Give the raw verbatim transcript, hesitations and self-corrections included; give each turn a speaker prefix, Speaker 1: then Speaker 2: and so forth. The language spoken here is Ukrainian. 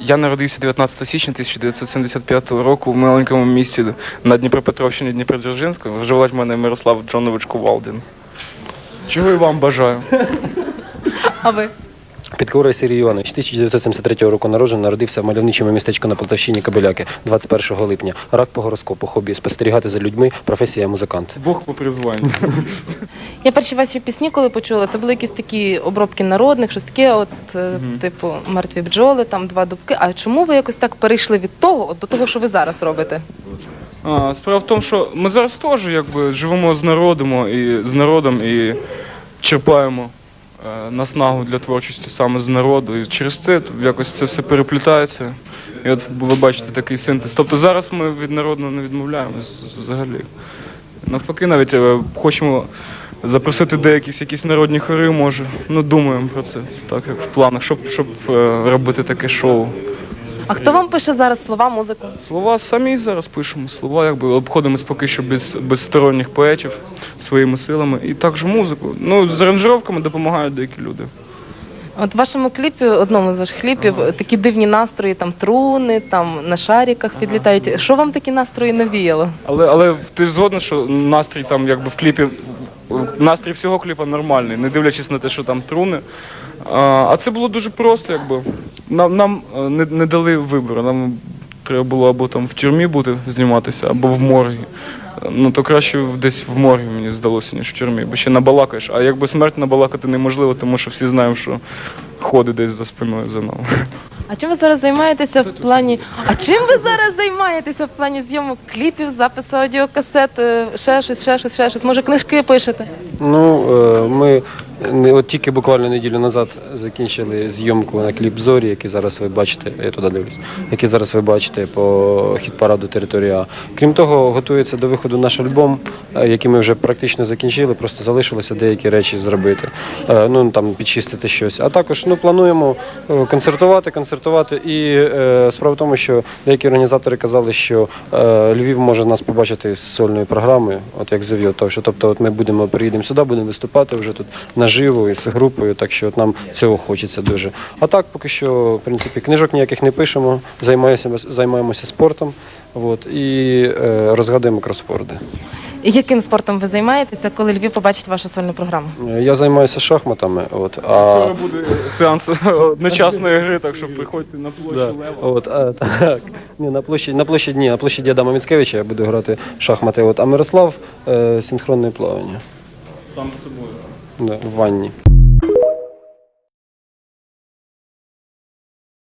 Speaker 1: Я народився дев'ятнадцятого січня тисяча дев'ятсот сімдесят п'ятого року в маленькому місті на Дніпропетровщині Дніпродзержинську. Вживать мене Мирослав Джонович Кувалдін. Чого і вам бажаю.
Speaker 2: А ви?
Speaker 3: Підкора Сергій Іванович, тисяча дев'ятсот сімдесят третього року народжений, народився в мальовничому містечку на Полтавщині Кобиляки, двадцять першого липня. Рак по гороскопу, хобі – спостерігати за людьми, професія музикант.
Speaker 1: Бог по призванню.
Speaker 2: Я перші ваші пісні, коли почула, це були якісь такі обробки народних, щось таке, от, е, типу, «Мертві бджоли», там «Два дубки». А чому ви якось так перейшли від того от, до того, що ви зараз робите?
Speaker 1: А, справа в тому, що ми зараз теж якби живемо з народом і з народом і черпаємо е, наснагу для творчості саме з народу. І через це якось це все переплітається. І от ви бачите такий синтез. Тобто зараз ми від народу не відмовляємось взагалі. Навпаки, навіть е, хочемо запросити деяких якісь народні хори, може. Ну, думаємо про це. Це так, як в планах, щоб, щоб е, робити таке шоу.
Speaker 2: А хто вам пише зараз слова, музику?
Speaker 1: Слова самі зараз пишемо. Слова якби обходимось поки що без, без сторонніх поетів своїми силами. І також музику. Ну, з аранжировками допомагають деякі люди.
Speaker 2: От в вашому кліпі, одному з ваших кліпів, такі дивні настрої, там труни, там на шариках підлітають. Що вам такі настрої навіяло?
Speaker 1: Але, але ти ж згодна, що настрій там якби в кліпі, настрій всього кліпа нормальний, не дивлячись на те, що там труни. А, а це було дуже просто, якби. Нам, нам не, не дали вибору. Нам треба було або там в тюрмі бути, зніматися, або в моргі. Ну, то краще десь в моргі, мені здалося, ніж в тюрмі, бо ще набалакаєш. А якби смерть набалакати неможливо, тому що всі знаємо, що ходить десь за спиною за нами.
Speaker 2: А чим ви зараз займаєтеся в плані? А чим ви зараз займаєтеся в плані зйомок кліпів, запису аудіокасет, е, ще щось, ще щось, ще щось? Може, книжки пишете?
Speaker 3: Ну, е, ми не- от тільки буквально неділю назад закінчили зйомку на кліп «Зорі», який зараз ви бачите, я туди дивлюсь, який зараз ви бачите по хіт-параду «Територія А». Крім того, готується до виходу наш альбом, е, який ми вже практично закінчили, просто залишилося деякі речі зробити, Е, ну там підчистити щось. А також ну, плануємо е, концертувати, концертувати. І е, справа в тому, що деякі організатори казали, що е, Львів може нас побачити з сольною програмою, от як «Зав'йо». Тобто от ми будемо, приїдемо сюди, будемо виступати вже тут наживо із групою, так що от нам цього хочеться дуже. А так, поки що, в принципі, книжок ніяких не пишемо, займаємося, займаємося спортом от, і е, розгадуємо кросворди.
Speaker 2: І яким спортом ви займаєтеся, коли Львів побачить вашу сольну програму?
Speaker 3: Е, Я займаюся шахматами, от, а,
Speaker 1: Скоро буде сеанс одночасної гри, так що приходьте на площу
Speaker 3: да,
Speaker 1: Лева.
Speaker 3: от, а, так, ні, на площі, на площі, ні, на площі Адама Міцкевича я буду грати в шахмати, от, а Мирослав е, синхронне плавання
Speaker 1: Сам з собою.
Speaker 3: да, в ванні.